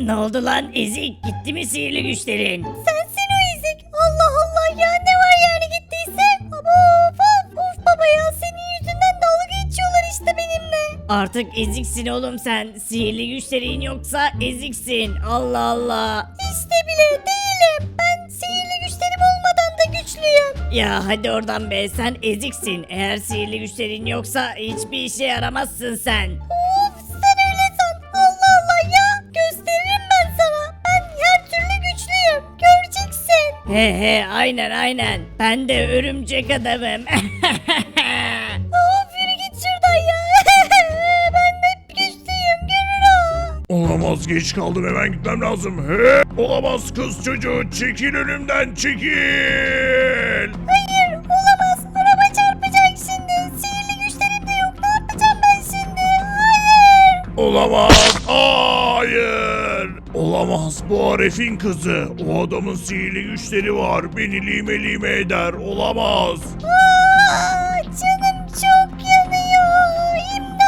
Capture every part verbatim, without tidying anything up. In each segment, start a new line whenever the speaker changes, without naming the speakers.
Ne oldu lan ezik, gitti mi sihirli güçlerin?
Sensin o ezik. Allah Allah ya, ne var yani gittiyse. Ama of of of baba ya, senin yüzünden dalga geçiyorlar işte benimle.
Artık eziksin oğlum sen. Sihirli güçlerin yoksa eziksin. Allah Allah.
İşte bile değilim. Ben sihirli güçlerim olmadan da güçlüyüm.
Ya hadi oradan be, sen eziksin. Eğer sihirli güçlerin yoksa hiçbir işe yaramazsın sen.
Of sen öyle san. Allah Allah ya. Gösteririm ben sana. Ben her türlü güçlüyüm. Göreceksin.
He he, aynen aynen. Ben de örümcek adamım.
Of yürü git şuradan ya. Ben de hep güçlüyüm. Görür o.
Olamaz, geç kaldım, hemen gitmem lazım. He, olamaz kız çocuğu, çekil önümden, çekil.
Hayır olamaz. Araba çarpacak şimdi. Sihirli güçlerim de yok. Ne yapacağım ben şimdi? Hayır.
Olamaz, hayır. Olamaz, bu Aref'in kızı. O adamın sihirli güçleri var, beni lime lime eder, olamaz.
Aa, canım çok yanıyor.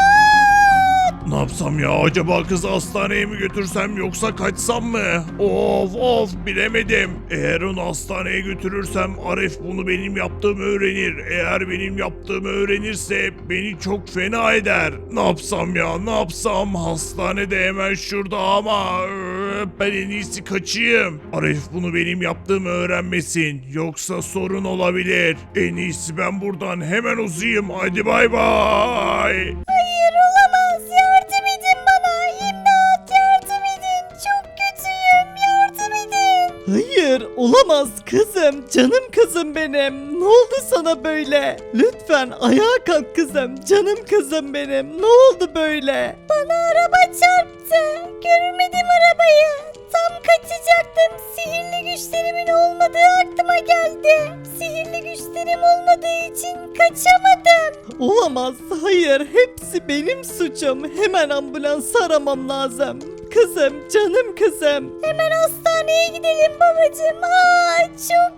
İmdat.
Ne yapsam ya, acaba kızı hastaneye mi götürsem yoksa kaçsam mı? Of of, bilemedim. Eğer onu hastaneye götürürsem Aref bunu benim yaptığımı öğrenir. Eğer benim yaptığımı öğrenirse beni çok fena eder. Ne yapsam ya, ne yapsam? Hastanede hemen şurada ama öö, ben en iyisi kaçayım. Aref bunu benim yaptığımı öğrenmesin. Yoksa sorun olabilir. En iyisi ben buradan hemen uzayayım. Hadi bay bay.
Hayır olamaz. Yardım edin bana. İmdat yardım edin. Çok kötüyüm. Yardım edin.
Hayır olamaz kızım, canım kızım benim. Ne oldu sana böyle? Lütfen ayağa kalk kızım, canım kızım benim. Ne oldu böyle?
Bana araba çarptı. Görmedim arabayı. Tam kaçacaktım. Sihirli güçlerimin olmadığı aklıma geldi. Sihirli güçlerim olmadığı için kaçamadım.
Olamaz, hayır, hepsi benim suçum. Hemen ambulans aramam lazım. Kızım, canım kızım.
Hemen hastaneye gidelim babacığım. Aa, çok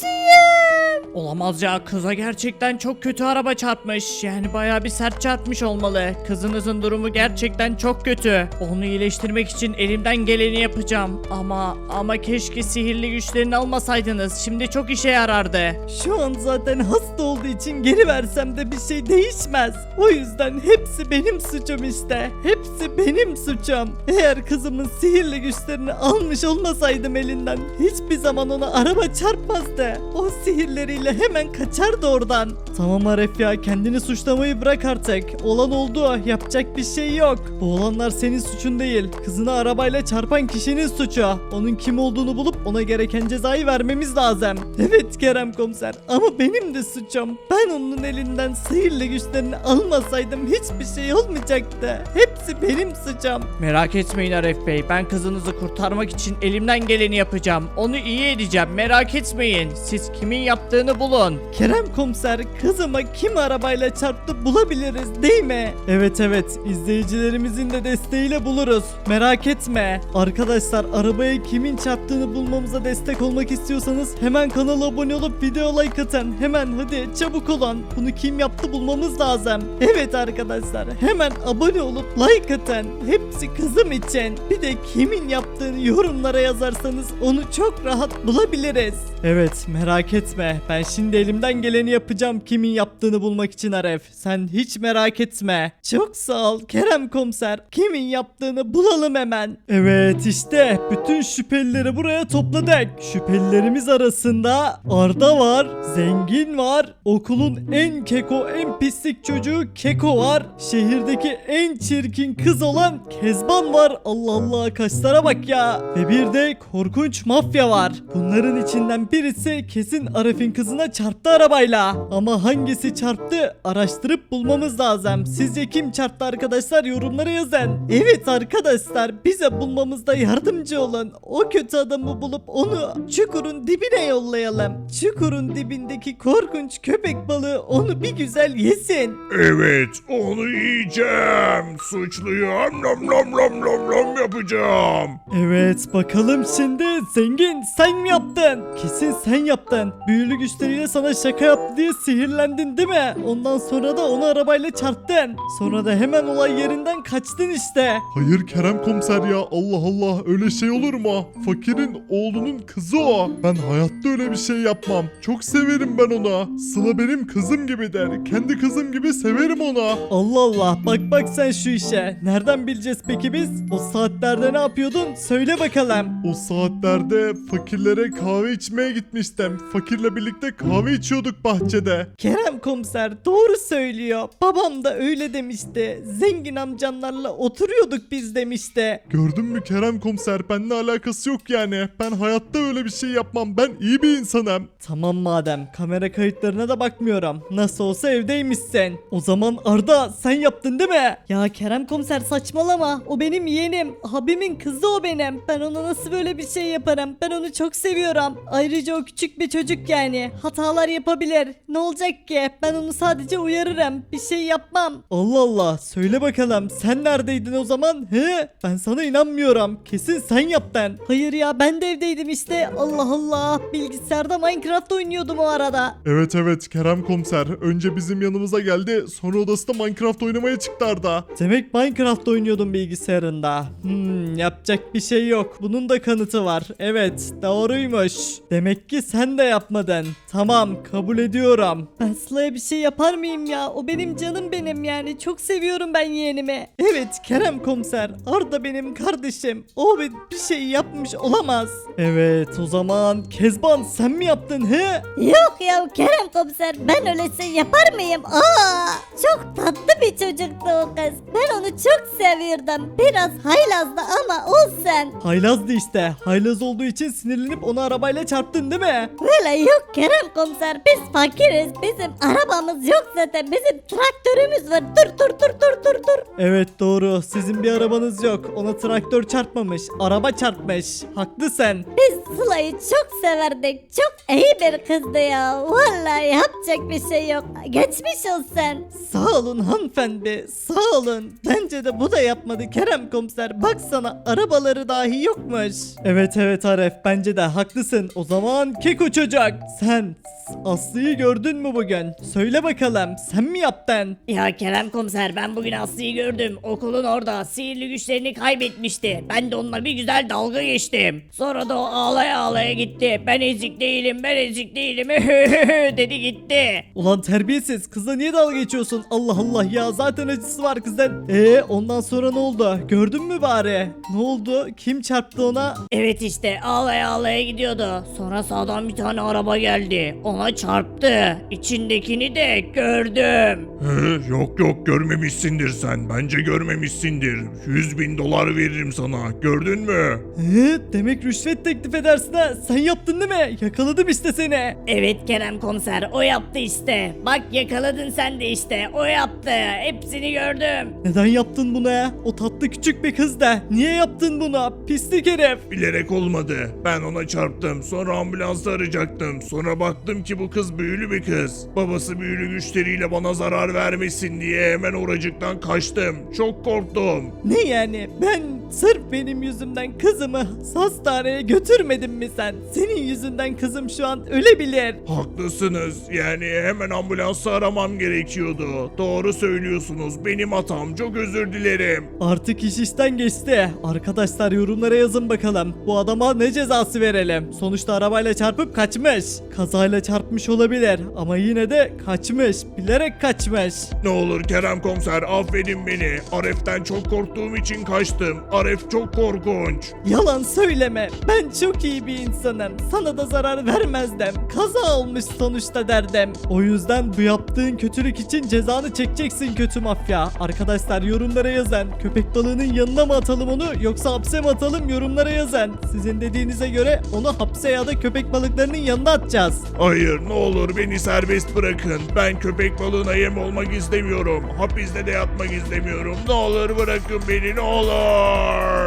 kötüyüm.
Olamaz ya, kıza gerçekten çok kötü araba çarpmış. Yani bayağı bir sert çarpmış olmalı. Kızınızın durumu gerçekten çok kötü. Onu iyileştirmek için elimden geleni yapacağım. Ama ama keşke sihirli güçlerini almasaydınız. Şimdi çok işe yarardı.
Şu an zaten hasta olduğu için geri versem de bir şey değişmez. O yüzden hepsi benim suçum işte. Hepsi benim suçum. Eğer kızımın sihirli güçlerini almış olmasaydım elinden hiçbir zaman ona araba çarpmazdı. O sihirleriyle hemen kaçardı oradan. Tamam Aref ya, kendini suçlamayı bırak artık. Olan oldu, yapacak bir şey yok. Bu olanlar senin suçun değil. Kızını arabayla çarpan kişinin suçu. Onun kim olduğunu bulup ona gereken cezayı vermemiz lazım. Evet Kerem komiser, ama benim de suçum. Ben onun elinden sihirli güçlerini almasaydım hiçbir şey olmayacaktı. Hepsi benim suçum.
Merak etmeyin Aref Bey. Ben kızınızı kurtarmak için elimden geleni yapacağım. Onu iyi edeceğim. Merak etmeyin. Siz kimin yaptığını bulun.
Kerem komiser, kızıma kim arabayla çarptı bulabiliriz değil mi? Evet evet, izleyicilerimizin de desteğiyle buluruz. Merak etme. Arkadaşlar, arabaya kimin çarptığını bulmamıza destek olmak istiyorsanız hemen kanala abone olup video like atın. Hemen hadi çabuk olun. Bunu kim yaptı bulmamız lazım. Evet arkadaşlar, hemen abone olup like atın. Hepsi kızım için. Bir de kimin yaptığını yorumlara yazarsanız onu çok rahat bulabiliriz. Evet, merak etme. Ben şimdi elimden geleni yapacağım kimin yaptığını bulmak için Aref. Sen hiç merak etme. Çok sağ ol Kerem komiser. Kimin yaptığını bulalım hemen. Evet işte bütün şüphelileri buraya topladık. Şüphelilerimiz arasında Arda var, Zengin var, okulun en keko en pislik çocuğu Keko var, şehirdeki en çirkin kız olan Kezban var. Allah Allah, kaşlara bak ya. Ve bir de korkunç mafya var. Bunların içinden birisi kesin Arif'in kızına çarptı arabayla. Ama hangisi çarptı araştırıp bulmamız lazım. Sizce kim çarptı arkadaşlar, yorumlara yazın. Evet arkadaşlar, bize bulmamızda yardımcı olun. O kötü adamı bulup onu çukurun dibine yollayalım. Çukurun dibindeki korkunç köpek balığı onu bir güzel yesin.
Evet, onu yiyeceğim. Suçluyum. Nom nom nom nom nom. yapacağım yapacağım.
Evet bakalım şimdi zengin sen mi yaptın? Kesin sen yaptın. Büyülü güçleriyle sana şaka yaptı diye sihirlendin değil mi? Ondan sonra da onu arabayla çarptın. Sonra da hemen olay yerinden kaçtın işte.
Hayır Kerem komiser ya, Allah Allah, öyle şey olur mu? Fakirin oğlunun kızı o. Ben hayatta öyle bir şey yapmam. Çok severim ben ona. Sıla benim kızım gibidir. Kendi kızım gibi severim ona.
Allah Allah bak bak sen şu işe. Nereden bileceğiz peki biz? O saatlerde ne yapıyordun? Söyle bakalım.
O saatlerde fakirlere kahve içmeye gitmiştim. Fakirle birlikte kahve içiyorduk bahçede.
Kerem komiser doğru söylüyor. Babam da öyle demişti. Zengin amcanlarla oturuyorduk biz demişti.
Gördün mü Kerem komiser, benimle alakası yok yani. Ben hayatta öyle bir şey yapmam. Ben iyi bir insanım.
Tamam madem kamera kayıtlarına da bakmıyorum. Nasıl olsa evdeymişsin. O zaman Arda sen yaptın değil mi?
Ya Kerem komiser saçmalama. O benim yeğenim. Abimin kızı o benim. Ben ona nasıl böyle bir şey yaparım? Ben onu çok seviyorum. Ayrıca o küçük bir çocuk yani. Hatalar yapabilir. Ne olacak ki? Ben onu sadece uyarırım. Bir şey yapmam.
Allah Allah söyle bakalım sen neredeydin o zaman? He? Ben sana inanmıyorum. Kesin sen yaptın.
Hayır ya ben de evdeydim işte. Allah Allah. Bilgisayarda Minecraft oynuyordum o arada.
Evet evet Kerem komiser. Önce bizim yanımıza geldi. Sonra odasında Minecraft oynamaya çıktı Arda.
Demek Minecraft oynuyordun bilgisayarında. Hmm, yapacak bir şey yok. Bunun da kanıtı var. Evet, doğruymuş. Demek ki sen de yapmadın. Tamam, kabul ediyorum.
Ben Sıla'ya bir şey yapar mıyım ya? O benim canım benim yani. Çok seviyorum ben yeğenimi.
Evet Kerem komiser, Arda benim kardeşim. O bir bir şey yapmış olamaz. Evet, o zaman Kezban sen mi yaptın he?
Yok ya Kerem komiser ben öyle şey yapar mıyım? Aa, çok tatlı bir çocuktu o kız. Ben onu çok seviyordum. Biraz haylazdı ama olsun.
Haylazdı işte. Haylaz olduğu için sinirlenip onu arabayla çarptın değil mi?
Öyle yok Kerem komiser biz fakiriz. Bizim arabamız yok zaten. Bizim traktörümüz var. Dur dur dur dur dur dur.
Evet doğru. Sizin bir arabanız yok. Ona traktör çarpmamış. Araba çarpmış. Haklısın.
Biz Sıla'yı çok severdik. Çok iyi bir kızdı ya. Vallahi yapacak bir şey yok. Geçmiş olsun.
Sağ olun hanımefendi. Sağ olun. Bence de bu da yapmadı Kerem komiser. Baksana arabaları dahi yokmuş. Evet evet Aref. Bence de haklısın. O zaman Keko çocuk. Sen Aslı'yı gördün mü bugün? Söyle bakalım. Sen mi yaptın?
Ya Kerem komiser ben bugün Aslı'yı gördüm. Okulun orada sihirli güçlerini kaybetmişti. Ben de onunla bir güzel dalga geçtim. Sonra da o ağlaya ağlaya gitti. Ben ezik değilim ben ezik değilim dedi gitti.
Ulan terbiyesiz. Kızla niye dalga geçiyorsun? Allah Allah ya. Zaten acısı var kızın. Eee ondan sonra ne oldu? Gördün mü bari? Ne oldu? Kim çarptı ona?
Evet işte ağlaya ağlaya gidiyordu. Sonra sağdan bir tane araba geldi. Ona çarptı. İçindekini de gördüm.
He, yok yok görmemişsindir sen. Bence görmemişsindir. yüz bin dolar veririm sana. Gördün mü?
Ee, demek rüşvet teklif edersin ha. Sen yaptın değil mi? Yakaladım işte seni.
Evet Kerem komiser o yaptı işte. Bak yakaladın sen de işte. O yaptı. Hepsini gördüm.
Neden yaptın bunu ya? O tatlı küçük bir kız da. Niye yaptın bunu? Pislik herif.
Bilerek olmadı. Ben ona çarptım. Sonra ambulansı arayacaktım. Sonra baktım ki bu kız büyülü bir kız. Babası büyülü güçleriyle bana zarar vermesin diye hemen oracıktan kaçtım. Çok korktum.
Ne yani? Ben sırf benim yüzümden kızımı hastaneye götürmedin mi sen? Senin yüzünden kızım şu an ölebilir.
Haklısınız. Yani hemen ambulansı aramam gerekiyordu. Doğru söylüyorsunuz. Benim hatam. Çok özür dilerim.
Artık iş işten geçti. Arkadaşlar yorumlara yazın bakalım. Bu adama ne cezası verelim? Sonuçta arabayla çarpıp kaçmış. Kazayla çarpmış olabilir ama yine de kaçmış. Bilerek kaçmış.
Ne olur Kerem komiser affedin beni. Aref'ten çok korktuğum için kaçtım. Aref çok korkunç.
Yalan söyleme. Ben çok iyi bir insanım. Sana da zarar vermezdim. Kaza olmuş sonuçta derdim. O yüzden bu yaptığın kötülük için cezanı çekeceksin kötü mafya. Arkadaşlar yorumlara yazın. Köpek balığının yanına mı atalım onu yoksa hapse mi atalım yorumlara yazın. Sizin dediğinize göre onu hapse ya da köpek balıklarının yanına atacağız.
Hayır ne olur beni serbest bırakın. Ben köpek balığına yem olmak istemiyorum. Hapiste de yatmak istemiyorum. Ne olur bırakın beni ne olur.